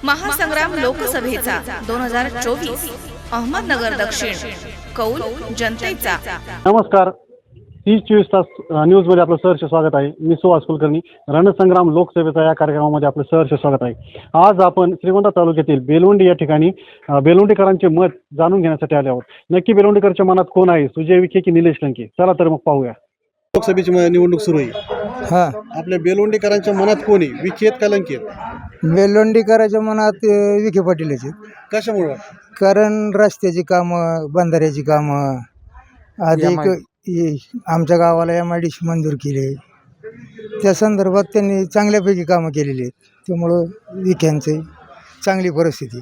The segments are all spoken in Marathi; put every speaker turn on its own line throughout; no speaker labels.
महासंग्राम लोकसभेचा 2024 अहमदनगर दक्षिण कौल जनतेचा।
नमस्कार, 30-24 तास न्यूज मध्ये आपलं सहर्ष स्वागत आहे। मी सुहास कुलकर्णी। रणसंग्राम लोकसभेचा या कार्यक्रमामध्ये आपलं सहर्ष स्वागत आहे। आज आपण श्रीगोंदा तालुक्यातील बेलवंडी या ठिकाणी बेलवंडीकरांचे मत जाणून घेण्यासाठी आले आहोत। नक्की बेलवंडीकरांच्या मनात कोण आहे, सुजय विखे की निलेश लंके? चला तर मग पाहूया। लोकसभेची निवडणूक सुरू आहे।
हा,
आपल्या बेलवंडीकरांच्या मनात कोण आहे, विखे का लंके?
बेलवंडीकरांच्या मनात विखे पाटीलच आहेत.
कशामुळे?
कारण रस्त्याची कामं, बंधाऱ्याची कामं, अधिक आमच्या गावाला MIDC मंजूर केले, त्या संदर्भात त्यांनी चांगल्यापैकी कामं केलेली आहेत। त्यामुळं विख्यांची चांगली परिस्थिती।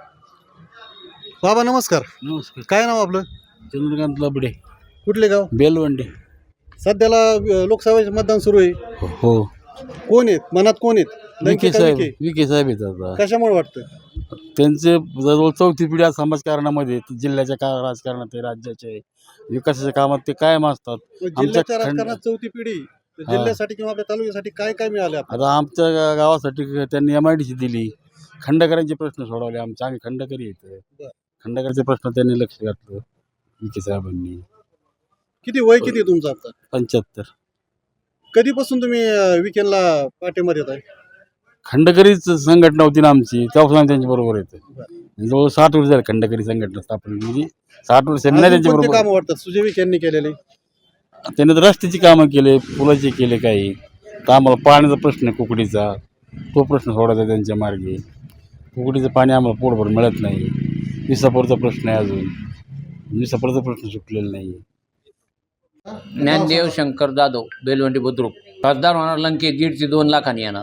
बाबा नमस्कार।
नमस्कार।
काय नाव आपलं?
चंद्रकांत लबडे,
कुठले गाव?
बेलवंडी।
सध्याला लोकसभेचे मतदान सुरू आहे।
हो,
कोण आहेत मनात, कोण आहेत? लंके
विखे
का
साहेब,
विखे?
विखे साहेब आहेत आता।
कशामुळे वाटतं?
त्यांचे जवळ 4थी पिढी आज समाजकारणामध्ये, जिल्ह्याच्या राजकारणात आहे, राज्याच्या आहे, विकासाच्या कामात ते कायम असतात।
जिल्ह्याच्या राजकारणात 4थी पिढी, जिल्ह्यासाठी किंवा आपल्या तालुक्यासाठी काय काय मिळाले?
आता आमच्या गावासाठी त्यांनी MIDC दिली, खंडकरांचे प्रश्न सोडवले आमचे, आम्ही खंडकरी येत, खंडकरांचे प्रश्न त्यांनी लक्ष घातलं विखे साहेबांनी।
किती वय किती तुमचं आता?
75।
कधीपासून तुम्ही विकेंडला पाठिंबा देत आहे?
खंडकरीच संघटना होती ना आमची, तेव्हापासून आम्ही त्यांच्या बरोबर येतो। जवळ 60 वर्ष झाले खंडकरी संघटना स्थापन, म्हणजे 60 वर्ष त्यांच्या बरोबर।
काम वाटतात सुजय विखे यांनी केलेले?
त्याने तर रस्त्याची कामं केले, पुलाचे केले काही, तर आम्हाला पाण्याचा प्रश्न आहे कुकडीचा, तो प्रश्न सोडायचा त्यांच्या मार्गे। कुकडीचं पाणी आम्हाला पोटभर मिळत नाही, विसापूरचा प्रश्न आहे, अजून विसापूरचा प्रश्न सुटलेला नाही।
ज्ञानदेव शंकर जाधव, बेलवंडी बुद्रुक। खासदार होणार लंके 1.5 ते 2 लाखांनी येणार।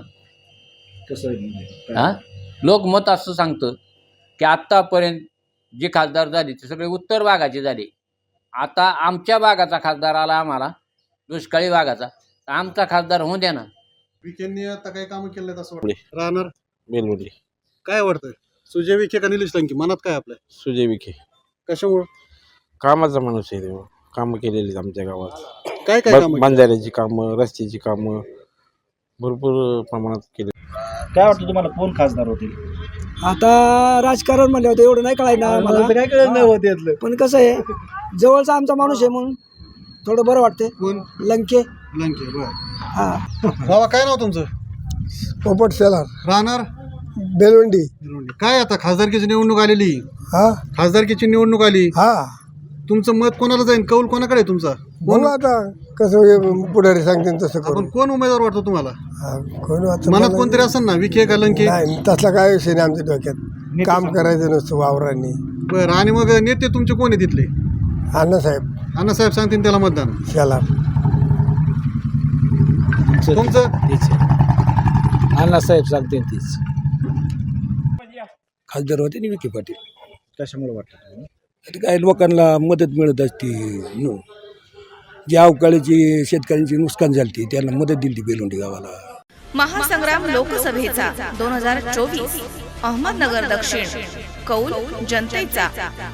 हां, लोकमत असं सांगतं की आत्तापर्यंत जे खासदार झाले ते सगळे उत्तर भागाचे झाले। आता आमच्या भागाचा खासदार आला, आम्हाला दुष्काळी भागाचा, तर आमचा खासदार होऊ द्या ना।
विखेंनी आता काही काम केले असं वाटतं? राहणार
बेलवंडी।
काय वाटतं, सुजय विखे का निलेश लंके? मनात काय आपल्या?
सुजय विखे।
कशामुळे?
कामाचा माणूस आहे तो, कामं केलेली आहेत आमच्या गावात।
काय काय काम?
बंधाऱ्याची कामं, रस्त्याची कामं भरपूर प्रमाणात केली।
काय वाटतं तुम्हाला, कोण खासदार होतील?
आता राजकारण म्हणलं होतं एवढं नाही कळायला मला,
काय कळत नाही होत यातलं.
पण कसं आहे, जवळचा आमचा माणूस आहे म्हणून थोडं बरं वाटतंय।
कोण?
लंके।
लंके, बरं।
हा,
बाबा काय नाव तुमचं?
पोपट शेलार,
राहणार
बेलवंडी।
काय आता खासदारकीची निवडणूक आलेली?
हा
खासदारकीची निवडणूक आली,
हा,
तुमचं मत कोणाला जाईल? कौल कोणाकडे आहे तुमचा?
बघू आता कसं पुढारी सांगते तसं करू।
आपण कोण उमेदवार वाटतो तुम्हाला?
कोण आता
मनात कोणतरी असेल ना, विखे का लंके?
नाही, तसला काय विषय नाही आमच्या डोक्यात। काम करायचं नसतं वावरांनी।
बरं, आणि मग नेते तुमचे कोण आहे तिथले?
अण्णासाहेब
अण्णासाहेब सांगतील त्याला मतदान।
शेलार।
तुमचं?
अण्णासाहेब सांगते तीच खासदार होते ना विखे पाटील।
कशामुळे वाटतं?
आता काय लोकांना मदत मिळत असते, जी अवकाळीची शेतकऱ्यांची नुकसान झाली त्यांना मदत दिली बेलवंडी गावाला।
महासंग्राम लोकसभेचा 2024 अहमदनगर दक्षिण कौल जनतेचा।